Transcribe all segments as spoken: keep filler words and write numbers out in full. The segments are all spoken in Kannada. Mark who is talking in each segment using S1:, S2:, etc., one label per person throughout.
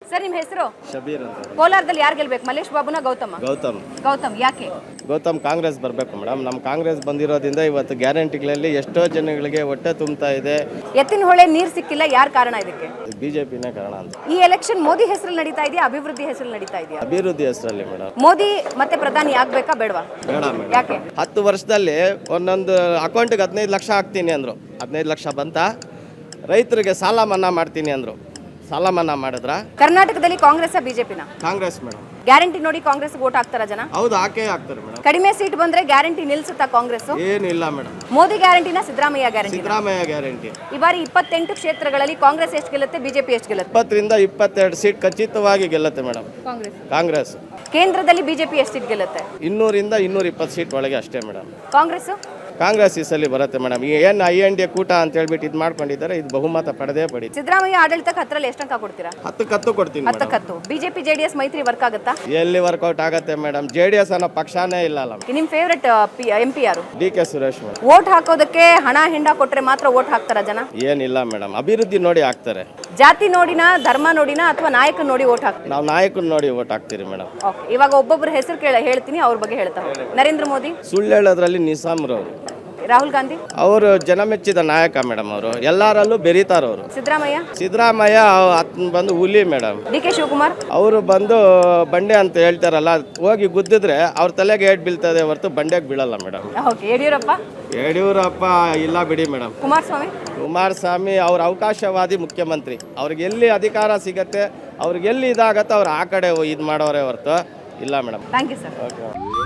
S1: ಸರ್ ನಿಮ್ಮ ಹೆಸರು?
S2: ಶಬೀರ್ ಅಂತ.
S1: ಕೋಲಾರದಲ್ಲಿ ಯಾರು ಗೆಲ್ಬೇಕು, ಮಲ್ಲೇಶ್ ಬಾಬುನ ಗೌತಮ?
S2: ಗೌತಮ್.
S1: ಗೌತಮ್ ಯಾಕೆ?
S2: ಗೌತಮ್ ಕಾಂಗ್ರೆಸ್ ಬರಬೇಕು ಮೇಡಮ್. ನಮ್ಮ ಕಾಂಗ್ರೆಸ್ ಬಂದಿರೋದ್ರಿಂದ ಇವತ್ತು ಗ್ಯಾರಂಟಿಗಳಲ್ಲಿ ಎಷ್ಟೋ ಜನಗಳಿಗೆ ಹೊಟ್ಟೆ ತುಂಬ್ತಾ ಇದೆ.
S1: ಎತ್ತಿನ ಹೊಳೆ ನೀರು ಸಿಕ್ಕಿಲ್ಲ, ಯಾರು ಕಾರಣ ಇದಕ್ಕೆ?
S2: ಬಿಜೆಪಿನೇ ಕಾರಣ ಅಂತ.
S1: ಈ ಎಲೆಕ್ಷನ್ ಮೋದಿ ಹೆಸರಲ್ಲಿ ನಡೀತಾ ಇದೆಯಾ, ಅಭಿವೃದ್ಧಿ ಹೆಸರಲ್ಲಿ ನಡೀತಾ ಇದೆಯಾ?
S2: ಅಭಿವೃದ್ಧಿ ಹೆಸರಲ್ಲಿ ಮೇಡಮ್.
S1: ಮೋದಿ ಮತ್ತೆ ಪ್ರಧಾನಿ ಆಗ್ಬೇಕಾ ಬೇಡವಾ?
S2: ಬೇಡ ಮೇಡಮ್.
S1: ಯಾಕೆ?
S2: ಹತ್ತು ವರ್ಷದಲ್ಲಿ ಒಂದೊಂದು ಅಕೌಂಟ್ಗೆ ಹದಿನೈದು ಲಕ್ಷ ಹಾಕ್ತೀನಿ ಅಂದರು. ಹದಿನೈದು ಲಕ್ಷ ಬಂತ. ರೈತರಿಗೆ ಸಾಲ ಮನ್ನಾ ಮಾಡ್ತೀನಿ ಅಂದರು. ಸಾಲ ಮನ್ನಾ ಮಾಡಿದ್ರ?
S1: ಕರ್ನಾಟಕದಲ್ಲಿ ಕಾಂಗ್ರೆಸ್ ಬಿಜೆಪಿನ?
S2: ಕಾಂಗ್ರೆಸ್ ಮೇಡಮ್.
S1: ಗ್ಯಾರಂಟಿ ನೋಡಿ ಕಾಂಗ್ರೆಸ್ ವೋಟ್ ಹಾಕ್ತಾರ ಜನ?
S2: ಹೌದು, ಹಾಕೇ ಹಾಕ್ತಾರೆ ಮೇಡಮ್.
S1: ಕಡಿಮೆ ಸೀಟ್ ಬಂದ್ರೆ ಗ್ಯಾರಂಟಿ ನಿಲ್ಸುತ್ತಾ ಕಾಂಗ್ರೆಸ್?
S2: ಏನು ಇಲ್ಲ ಮೇಡಮ್.
S1: ಮೋದಿ ಗ್ಯಾರಂಟಿನ ಸಿದ್ದರಾಮಯ್ಯ ಗ್ಯಾರಂಟಿ?
S2: ಸಿದ್ದರಾಮಯ್ಯ ಗ್ಯಾರಂಟಿ.
S1: ಈ ಬಾರಿ ಇಪ್ಪತ್ತೆಂಟು ಕ್ಷೇತ್ರಗಳಲ್ಲಿ ಕಾಂಗ್ರೆಸ್ ಎಷ್ಟು ಗೆಲ್ಲುತ್ತೆ, ಬಿಜೆಪಿ ಎಷ್ಟು ಗೆಲ್ಲುತ್ತೆ?
S2: ಇಪ್ಪತ್ತರಿಂದ ಇಪ್ಪತ್ತೆರಡು ಸೀಟ್ ಖಚಿತವಾಗಿ ಗೆಲ್ಲುತ್ತೆ ಮೇಡಮ್
S1: ಕಾಂಗ್ರೆಸ್.
S2: ಕಾಂಗ್ರೆಸ್.
S1: ಕೇಂದ್ರದಲ್ಲಿ ಬಿಜೆಪಿ ಎಷ್ಟು ಸೀಟ್ ಗೆಲ್ಲುತ್ತೆ?
S2: ಇನ್ನೂರಿಂದ ಇನ್ನೂರ ಇಪ್ಪತ್ತು ಸೀಟ್ ಒಳಗೆ ಅಷ್ಟೇ ಮೇಡಮ್.
S1: ಕಾಂಗ್ರೆಸ್?
S2: ಕಾಂಗ್ರೆಸ್ ಈ ಸಲ ಬರುತ್ತೆ ಮೇಡಮ್. ಈ ಏನು ಐ ಎನ್ ಡಿ ಕೂಟ ಅಂತ ಹೇಳ್ಬಿಟ್ಟು ಇದು ಮಾಡ್ಕೊಂಡಿದ್ದಾರೆ, ಇದು ಬಹುಮತ ಪಡೆದೇ ಪಡಿ.
S1: ಸಿದ್ದರಾಮಯ್ಯ ಆಡಳಿತಕ್ಕೆ ಹತ್ತರಲ್ಲಿ ಎಷ್ಟು ಅಂಕ ಕೊಡ್ತೀರಾ?
S2: ಹತ್ತಕ್ಕೆ ಹತ್ತು ಕೊಡ್ತೀನಿ ಮೇಡಮ್.
S1: ಹತ್ತಕ್ಕೆ ಹತ್ತು. ಬಿಜೆಪಿ ಜೆಡಿಎಸ್ ಮೈತ್ರಿ ವರ್ಕ್ ಆಗುತ್ತಾ?
S2: ಎಲ್ಲಿ ವರ್ಕೌಟ್ ಆಗುತ್ತೆ ಮೇಡಮ್. ಜೆ ಡಿ ಎಸ್ ಅನ್ನೋ ಪಕ್ಷನೇ ಇಲ್ಲ ಅಲ್ಲ.
S1: ನಿಮ್ ಫೇವ್ರೆಟ್ ಎಂ ಪಿ ಯಾರು?
S2: D K Suresh madam.
S1: Vote ಹಾಕೋದಕ್ಕೆ ಹಣ ಹಿಂಡ ಕೊಟ್ರೆ ಮಾತ್ರ ವೋಟ್ ಹಾಕ್ತಾರ ಜನ?
S2: ಏನಿಲ್ಲ ಮೇಡಮ್, ಅಭಿವೃದ್ಧಿ ನೋಡಿ ಹಾಕ್ತಾರೆ.
S1: ಜಾತಿ ನೋಡಿನ, ಧರ್ಮ ನೋಡಿನ, ಅಥವಾ ನಾಯಕ ನೋಡಿ ವೋಟ್ ಹಾಕ್ತಾರೆ?
S2: ನಾವು ನಾಯಕನ ನೋಡಿ ವೋಟ್ ಹಾಕ್ತೀರಿ ಮೇಡಮ್.
S1: ಓಕೆ, ಇವಾಗ ಒಬ್ಬೊಬ್ಬರ ಹೆಸರು ಕೇಳ ಹೇಳ್ತೀನಿ, ಅವ್ರ ಬಗ್ಗೆ ಹೇಳ್ತಾ ಹೋಗಿ. ನರೇಂದ್ರ ಮೋದಿ?
S2: ಸುಳ್ಳು ಹೇಳೋದ್ರಲ್ಲಿ ನಿಸಾಮ್ರವರು.
S1: ರಾಹುಲ್ ಗಾಂಧಿ?
S2: ಅವರು ಜನಮೆಚ್ಚಿದ ನಾಯಕ ಮೇಡಮ್. ಅವರು ಎಲ್ಲರಲ್ಲೂ ಬೆರೀತಾರವರು.
S1: ಸಿದ್ದರಾಮಯ್ಯ?
S2: ಸಿದ್ದರಾಮಯ್ಯ ಅತ್ನ ಬಂದು ಹುಲಿ ಮೇಡಮ್.
S1: D K Shivakumar?
S2: ಅವರು ಬಂದು ಬಂಡೆ ಅಂತ ಹೇಳ್ತಾರಲ್ಲ, ಹೋಗಿ ಗುದ್ದಿದ್ರೆ ಅವ್ರ ತಲೆಗೆ ಏಟ್ ಬೀಳ್ತದೆ ಹೊರತು ಬಂಡೆಗೆ ಬೀಳಲ್ಲ ಮೇಡಮ್.
S1: ಓಕೆ. ಯಡಿಯೂರಪ್ಪ?
S2: ಯಡಿಯೂರಪ್ಪ ಇಲ್ಲ ಬಿಡಿ ಮೇಡಮ್.
S1: ಕುಮಾರಸ್ವಾಮಿ?
S2: ಕುಮಾರಸ್ವಾಮಿ ಅವ್ರ ಅವಕಾಶವಾದಿ ಮುಖ್ಯಮಂತ್ರಿ. ಅವ್ರಿಗೆ ಎಲ್ಲಿ ಅಧಿಕಾರ ಸಿಗತ್ತೆ, ಅವ್ರಿಗೆ ಎಲ್ಲಿ ಇದಾಗತ್ತೆ ಅವ್ರು ಆ ಕಡೆ ಇದು ಮಾಡೋರೇ ಹೊರತು ಇಲ್ಲ madam.
S1: Thank you sir.
S2: Okay.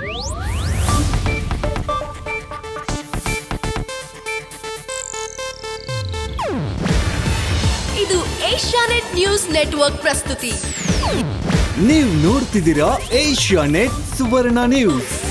S3: ಇದು ಏಷ್ಯಾನೆಟ್ ನ್ಯೂಸ್ ನೆಟ್ವರ್ಕ್ ಪ್ರಸ್ತುತಿ.
S4: ನೀವು ನೋಡ್ತಿದ್ದೀರಾ ಏಷ್ಯಾನೆಟ್ ಸುವರ್ಣ ನ್ಯೂಸ್.